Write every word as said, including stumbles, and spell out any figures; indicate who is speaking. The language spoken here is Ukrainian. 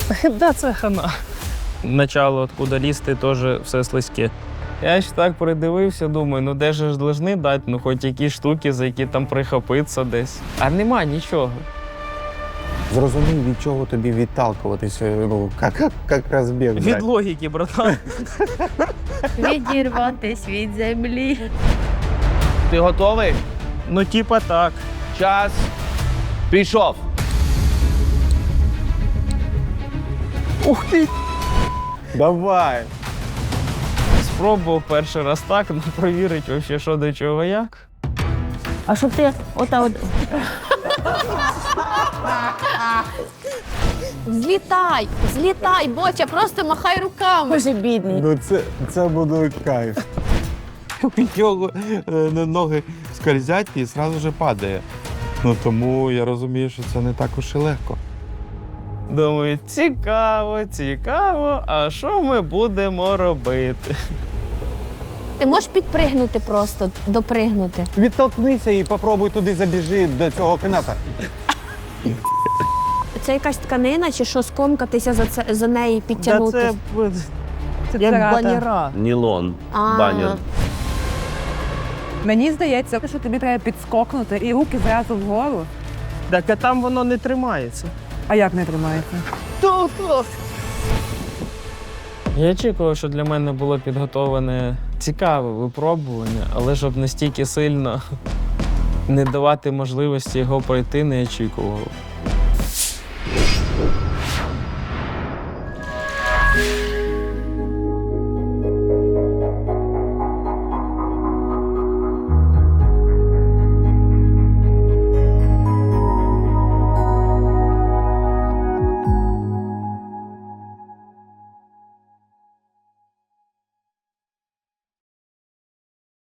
Speaker 1: Да, це хана. Начало, откуда лізти, теж все слизьке. Я ж так придивився, думаю, ну де ж должны дати, ну хоч якісь штуки, за які там прихопитися десь. А нема нічого.
Speaker 2: Зрозумій, від чого тобі відталкуватися, ну, як, як, як розбіг.
Speaker 1: Від логіки, братан.
Speaker 3: Відірватись від землі.
Speaker 4: Ти готовий?
Speaker 1: Ну, типа так.
Speaker 4: Час пішов.
Speaker 1: Ух ти!
Speaker 2: Давай.
Speaker 1: Спробував перший раз так, ну провірить вообще, що до чого як.
Speaker 3: А щоб ти ота от... Злітай, злітай, Боча, просто махай руками. Боже, бідний.
Speaker 2: Ну це, це буде кайф.
Speaker 5: У нього е, ноги скользять і одразу ж падає. Ну тому я розумію, що це не так уж і легко.
Speaker 1: Думаю, цікаво, цікаво, а що ми будемо робити?
Speaker 3: Ти можеш підпригнути просто, допригнути.
Speaker 2: Відтолкнися і попробуй туди забіжи до цього каната.
Speaker 3: Це якась тканина чи що, скомкатися за, це, за неї,
Speaker 1: Та
Speaker 3: підтягнути?
Speaker 1: це, це як баніра.
Speaker 4: Нілон.
Speaker 3: А.
Speaker 4: Банір.
Speaker 6: Мені здається, що тобі треба підскокнути і руки зразу вгору.
Speaker 1: Так, а там воно не тримається.
Speaker 6: А як не тримається?
Speaker 1: Я очікував, що для мене було підготовлене цікаве випробування, але щоб настільки сильно не давати можливості його пройти, не очікував.